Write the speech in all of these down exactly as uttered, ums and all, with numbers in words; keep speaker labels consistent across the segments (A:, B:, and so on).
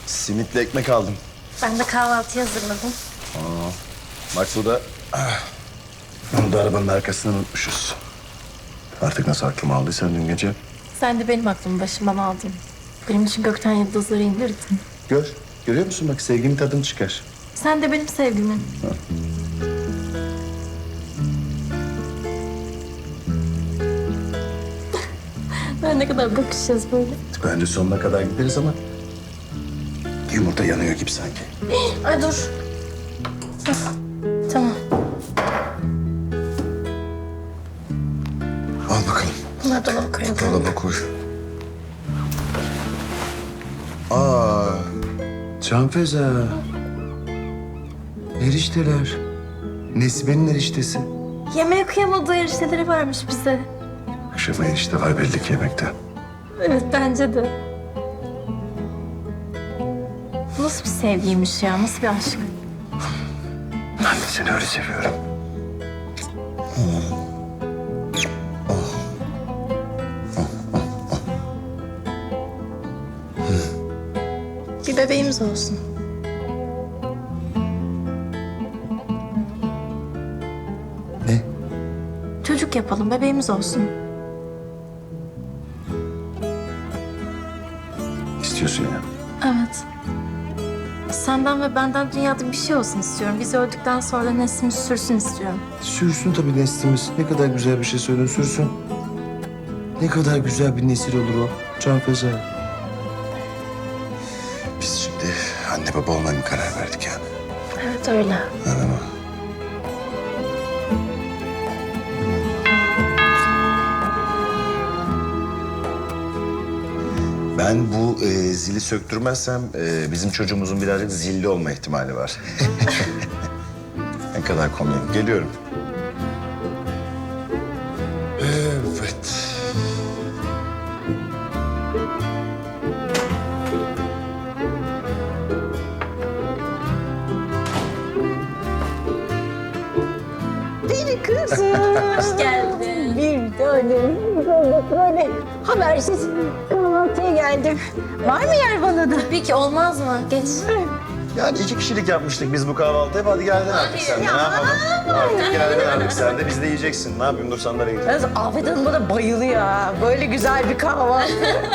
A: Simitle ekmek aldım.
B: Ben de kahvaltı hazırladım.
A: Aa, bak bu da... Bunu da arabanın arkasına unutmuşuz. Artık nasıl aklıma aldıysan dün gece.
B: Sen de benim aklımı başımdan aldın. Benim için gökten yıldızları indirdin.
A: Gör, görüyor musun? Bak sevginin tadını çıkar.
B: Sen de benim sevgimin. Ben ne kadar bakışacağız böyle.
A: Bence sonuna kadar gideriz ama... Yumurta yanıyor gibi sanki.
B: Ay dur. Hah, tamam.
A: Al bakalım.
B: Bunları dolaba koyalım.
A: Dolaba koy. Aa, Canfeza. Erişteler. Nesibe'nin eriştesi.
B: Yemeğe kıyamadığı erişteleri varmış bize.
A: Akşama erişte var belli ki yemekte.
B: Evet bence de. Bu nasıl bir sevgiymiş ya? Nasıl bir aşk?
A: Ben de seni öyle seviyorum.
B: Bir bebeğimiz olsun.
A: Ne?
B: Çocuk yapalım, bebeğimiz olsun.
A: İstiyorsun ya.
B: Evet. Senden ve benden dünyada bir şey olsun istiyorum. Biz öldükten sonra neslimiz sürsün istiyorum.
A: Sürsün tabii neslimiz. Ne kadar güzel bir şey söyledin, sürsün. Ne kadar güzel bir nesil olur o. Canfeza. Biz şimdi anne baba olmaya mı karar verdik yani?
B: Evet öyle.
A: Anladın mı? Ben bu e, zili söktürmezsem e, bizim çocuğumuzun birazcık zilli olma ihtimali var. Ne kadar komik. Geliyorum. Evet.
C: Deli kızım.
B: Hoş geldin.
C: Bir tanem. Böyle habersiz kahvaltıya geldim. Var mı yer bana da?
B: Tabii ki olmaz mı? Geç.
A: Yani iki kişilik yapmıştık biz bu kahvaltıyı. Hadi geldin artık sen de. Ne yapalım? Artık geldin artık sen de. Biz de yiyeceksin. Ne yapayım? Dur sandalyeye gideyim.
C: Yalnız Afet Hanım bana bayılıyor ha. Böyle güzel bir kahvaltı.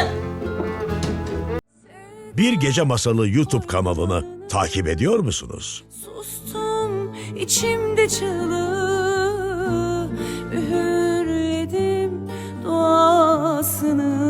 D: Bir Gece Masalı YouTube kanalını takip ediyor musunuz?
E: Sustum içimde çığlığı, üğürledim duasını.